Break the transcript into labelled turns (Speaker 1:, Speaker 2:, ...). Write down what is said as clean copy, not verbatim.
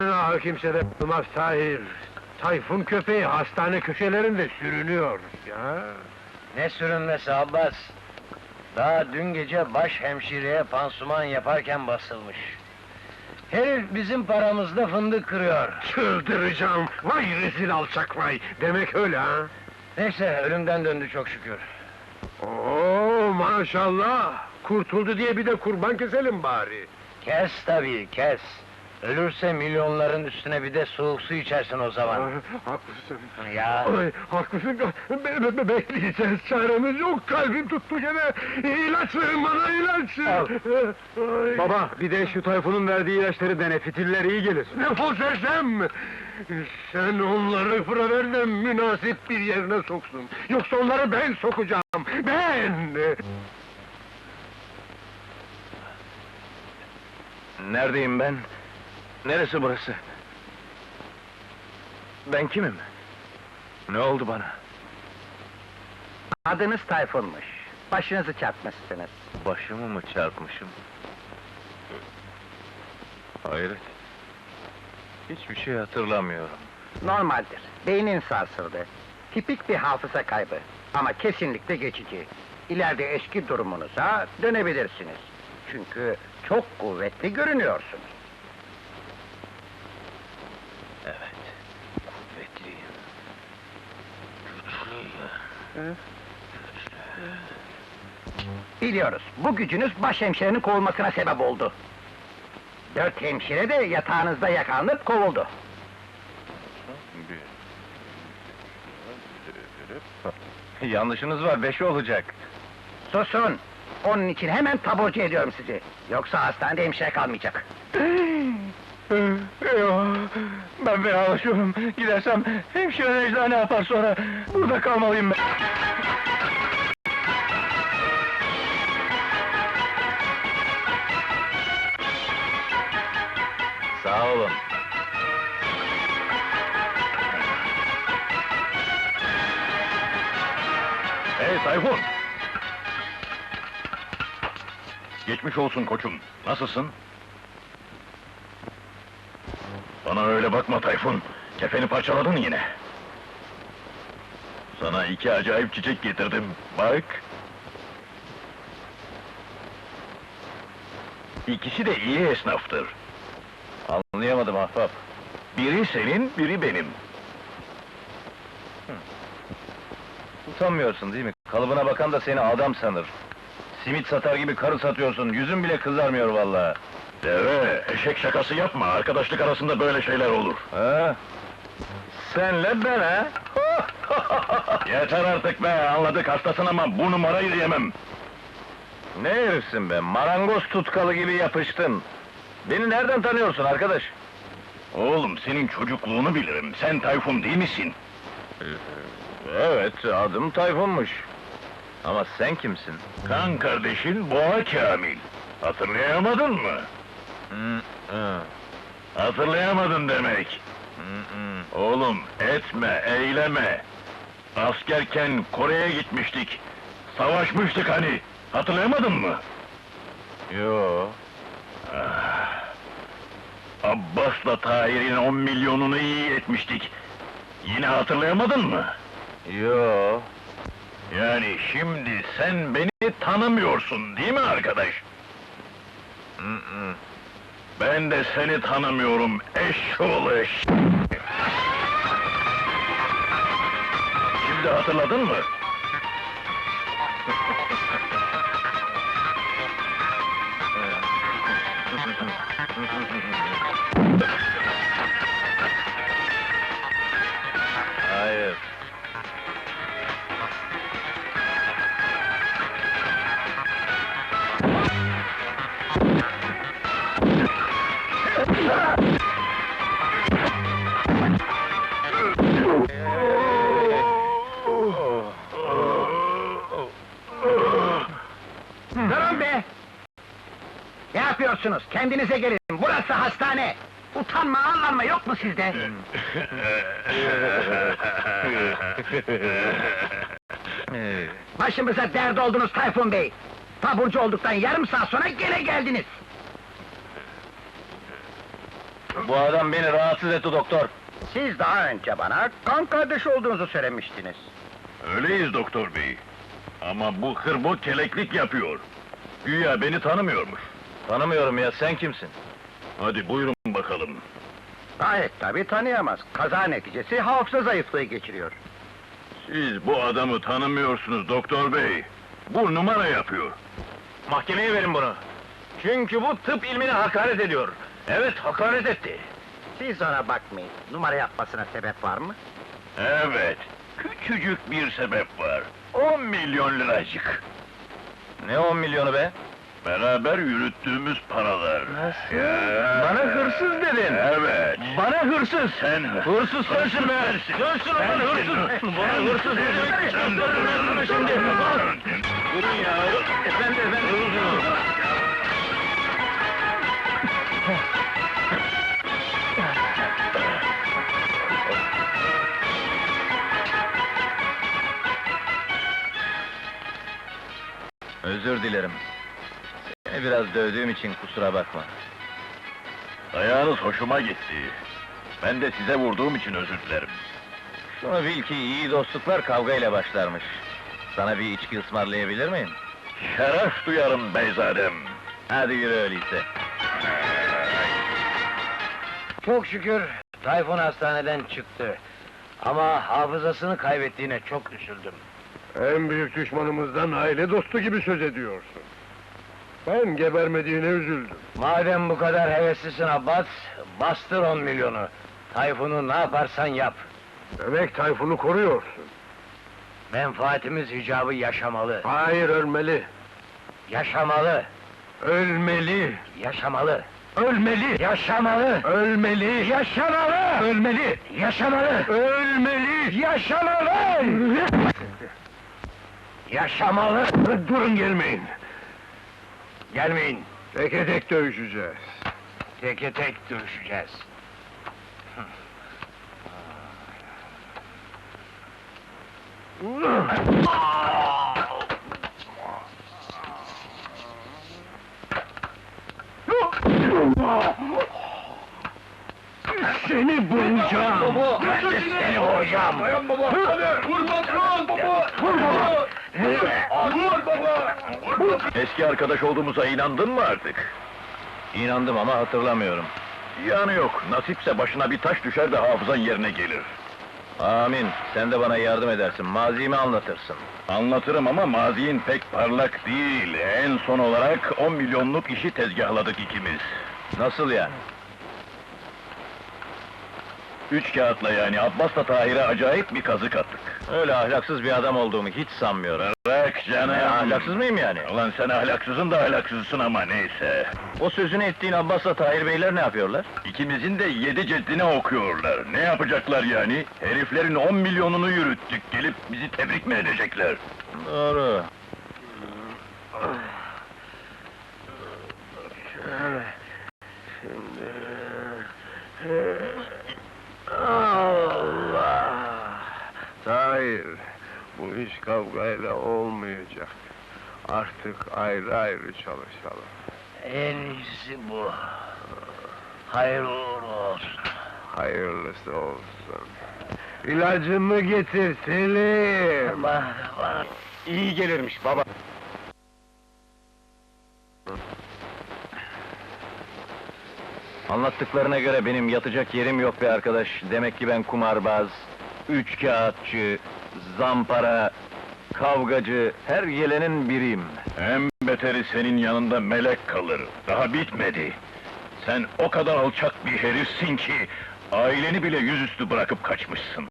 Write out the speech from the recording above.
Speaker 1: Kimse de bulmaz Tahir. Tayfun köpeği hastane köşelerinde sürünüyor ya.
Speaker 2: Ne sürünmesi Abbas? Daha dün gece baş hemşireye pansuman yaparken basılmış. Herif bizim paramızda fındık kırıyor.
Speaker 1: Çıldıracağım! Vay rezil alçak vay! Demek öyle ha?
Speaker 2: Neyse, ölümden döndü çok şükür.
Speaker 1: Oo maşallah! Kurtuldu diye bir de kurban keselim bari.
Speaker 2: Kes tabii, kes! Ölürse milyonların üstüne bir de soğuk su içersin o zaman.
Speaker 1: Haklısın.
Speaker 2: Ya,
Speaker 1: Ay, haklısın. Bekleyeceğiz, çaremiz yok. Kalbim tuttu gene. İlaç verin bana, ilaç!
Speaker 2: Al.
Speaker 1: Ay.
Speaker 3: Baba, bir de şu Tayfun'un verdiği ilaçları dene, fitiller iyi gelir.
Speaker 1: Defol sersem! Sen onları fıra de münasip bir yerine soksun. Yoksa onları ben sokacağım, ben!
Speaker 2: neredeyim ben? Neresi burası? Ben kimim? Ne oldu bana?
Speaker 4: Adınız Tayfun'muş. Başınızı çarpmışsınız.
Speaker 2: Başımı mı çarpmışım? Hayret. Hiçbir şey hatırlamıyorum.
Speaker 4: Normaldir. Beynin sarsıldı. Tipik bir hafıza kaybı. Ama kesinlikle geçici. İleride eski durumunuza dönebilirsiniz. Çünkü çok kuvvetli görünüyorsunuz.
Speaker 2: Evet, kuvvetliyim. Güçlüyüm.
Speaker 4: Biliyoruz, bu gücünüz başhemşirenin kovulmasına sebep oldu. 4 hemşire de yatağınızda yakalanıp kovuldu.
Speaker 2: Yanlışınız var, 5 olacak.
Speaker 4: Susun! Onun için hemen taburcu ediyorum sizi. Yoksa hastanede hemşire kalmayacak.
Speaker 2: Ben fenalaşıyorum. Gidersem hemşire Necla ne yapar sonra? Burada kalmalıyım ben. Sağ olun.
Speaker 3: Hey Tayfun! Geçmiş olsun koçum, nasılsın? Bana öyle bakma Tayfun, kefeni parçaladın yine. Sana 2 acayip çiçek getirdim, bak! İkisi de iyi esnaftır.
Speaker 2: Anlayamadım ahbap.
Speaker 3: Biri senin, biri benim.
Speaker 2: Utanmıyorsun değil mi? Kalıbına bakan da seni adam sanır. Simit satar gibi karı satıyorsun, yüzün bile kızarmıyor vallahi.
Speaker 3: Deve, eşek şakası yapma, arkadaşlık arasında böyle şeyler olur.
Speaker 2: Ha? Senle ben ha?
Speaker 3: Yeter artık be, anladık hastasın ama bu numarayı yemem.
Speaker 2: Ne herifsin be, marangoz tutkalı gibi yapıştın. Beni nereden tanıyorsun arkadaş?
Speaker 3: Oğlum, senin çocukluğunu bilirim, sen Tayfun değil misin?
Speaker 2: Evet, adım Tayfun'muş. Ama sen kimsin?
Speaker 3: Kan kardeşin Boğa Kamil. Hatırlayamadın mı? Hatırlayamadın demek. Oğlum, etme, eyleme. Askerken Kore'ye gitmiştik. Savaşmıştık hani. Hatırlayamadın mı?
Speaker 2: Yo.
Speaker 3: Abbas'la Tahir'in 10 milyonunu iyi etmiştik. Yine hatırlayamadın mı?
Speaker 2: Yo.
Speaker 3: Yani şimdi sen beni tanımıyorsun, değil mi arkadaş? Ben de seni tanımıyorum, eşşoğlu eş... Şimdi hatırladın mı?
Speaker 2: Hayır.
Speaker 4: Durun be! Ne yapıyorsunuz? Kendinize gelin, burası hastane! Utanma, arlanma yok mu sizde? Başımıza dert oldunuz Tayfun Bey! Taburcu olduktan yarım saat sonra gene geldiniz!
Speaker 2: Bu adam beni rahatsız etti doktor.
Speaker 4: Siz daha önce bana kan kardeşi olduğunuzu söylemiştiniz.
Speaker 3: Öyleyiz doktor bey. Ama bu hırbo keleklik yapıyor. Güya beni tanımıyormuş.
Speaker 2: Tanımıyorum ya, sen kimsin?
Speaker 3: Hadi buyurun bakalım.
Speaker 4: Gayet tabii tanıyamaz. Kaza neticesi hafıza zayıflığı geçiriyor.
Speaker 3: Siz bu adamı tanımıyorsunuz doktor bey. Bu numara yapıyor.
Speaker 2: Mahkemeye verin bunu. Çünkü bu tıp ilmine hakaret ediyor. Evet, hakaret etti.
Speaker 4: Siz ona bakmayın. Numara yapmasına sebep var mı?
Speaker 3: Evet, küçücük bir sebep var. 10 milyon liracık.
Speaker 2: Ne 10 milyonu be?
Speaker 3: Beraber yürüttüğümüz paralar.
Speaker 2: Nasıl?
Speaker 3: Ya.
Speaker 2: Bana hırsız dedin.
Speaker 3: Evet.
Speaker 2: Bana hırsız!
Speaker 3: Sen
Speaker 2: Hırsız sensin be! Sensin ulan hırsız! Bana hırsız ne demek? Gösteririm şimdi! Durun ya! Efendi! Özür dilerim. Seni biraz dövdüğüm için kusura bakma.
Speaker 3: Ayağınız hoşuma gitti. Ben de size vurduğum için özür dilerim.
Speaker 2: Şunu bil ki iyi dostluklar kavgayla başlarmış. Sana bir içki ısmarlayabilir miyim?
Speaker 3: Şeref duyarım beyzadem.
Speaker 2: Hadi yürü öyleyse. Çok şükür Tayfun hastaneden çıktı. Ama hafızasını kaybettiğine çok üzüldüm.
Speaker 1: En büyük düşmanımızdan aile dostu gibi söz ediyorsun. Ben gebermediğine üzüldüm.
Speaker 2: Madem bu kadar heveslisin Abbas, bastır 10 milyonu. Tayfun'u ne yaparsan yap.
Speaker 1: Demek Tayfun'u koruyorsun.
Speaker 2: Menfaatimiz icabı yaşamalı.
Speaker 1: Hayır, ölmeli.
Speaker 2: Yaşamalı.
Speaker 1: Ölmeli.
Speaker 2: Yaşamalı.
Speaker 1: Ölmeli.
Speaker 2: Yaşamalı.
Speaker 1: Ölmeli.
Speaker 2: Yaşamalı.
Speaker 1: Ölmeli.
Speaker 2: Yaşamalı.
Speaker 1: Ölmeli.
Speaker 2: Yaşamalı. Yaşamalı.
Speaker 1: Durun, gelmeyin.
Speaker 2: Gelmeyin.
Speaker 1: Teke tek dövüşeceğiz.
Speaker 2: Teke tek dövüşeceğiz.
Speaker 1: Seni bulacağım.
Speaker 2: Ben de seni vuracağım.
Speaker 3: Eski arkadaş olduğumuza inandın mı artık?
Speaker 2: İnandım ama hatırlamıyorum.
Speaker 3: Yani yok, nasipse başına bir taş düşer de hafızan yerine gelir.
Speaker 2: Amin. Sen de bana yardım edersin. Mazimi anlatırsın.
Speaker 3: Anlatırım ama mazin pek parlak değil. En son olarak 10 milyonluk işi tezgahladık ikimiz.
Speaker 2: Nasıl yani?
Speaker 3: 3 kağıtla yani Abbas'la Tahir'e acayip bir kazık attık.
Speaker 2: Öyle ahlaksız bir adam olduğumu hiç sanmıyorum.
Speaker 3: Bırak canım!
Speaker 2: Ahlaksız mıyım yani?
Speaker 3: Ulan sen ahlaksızın da ahlaksızsın ama neyse.
Speaker 2: O sözünü ettiğin Abbas'la Tahir Beyler ne yapıyorlar?
Speaker 3: İkimizin de 7 ceddine okuyorlar. Ne yapacaklar yani? Heriflerin 10 milyonunu yürüttük, gelip bizi tebrik mi edecekler?
Speaker 2: Doğru.
Speaker 1: Allah! Hayır, bu iş kavgayla olmayacak. Artık ayrı ayrı çalışalım.
Speaker 2: En iyisi bu. Hayırlı uğurlu olsun.
Speaker 1: Hayırlısı olsun. İlacımı getir Selim!
Speaker 2: Bana
Speaker 1: İyi gelirmiş baba.
Speaker 2: Anlattıklarına göre benim yatacak yerim yok be arkadaş. Demek ki ben kumarbaz, üçkağıtçı, zampara, kavgacı, her gelenin biriyim.
Speaker 3: En beteri senin yanında melek kalır. Daha bitmedi. Sen o kadar alçak bir herifsin ki... ...aileni bile yüzüstü bırakıp kaçmışsın.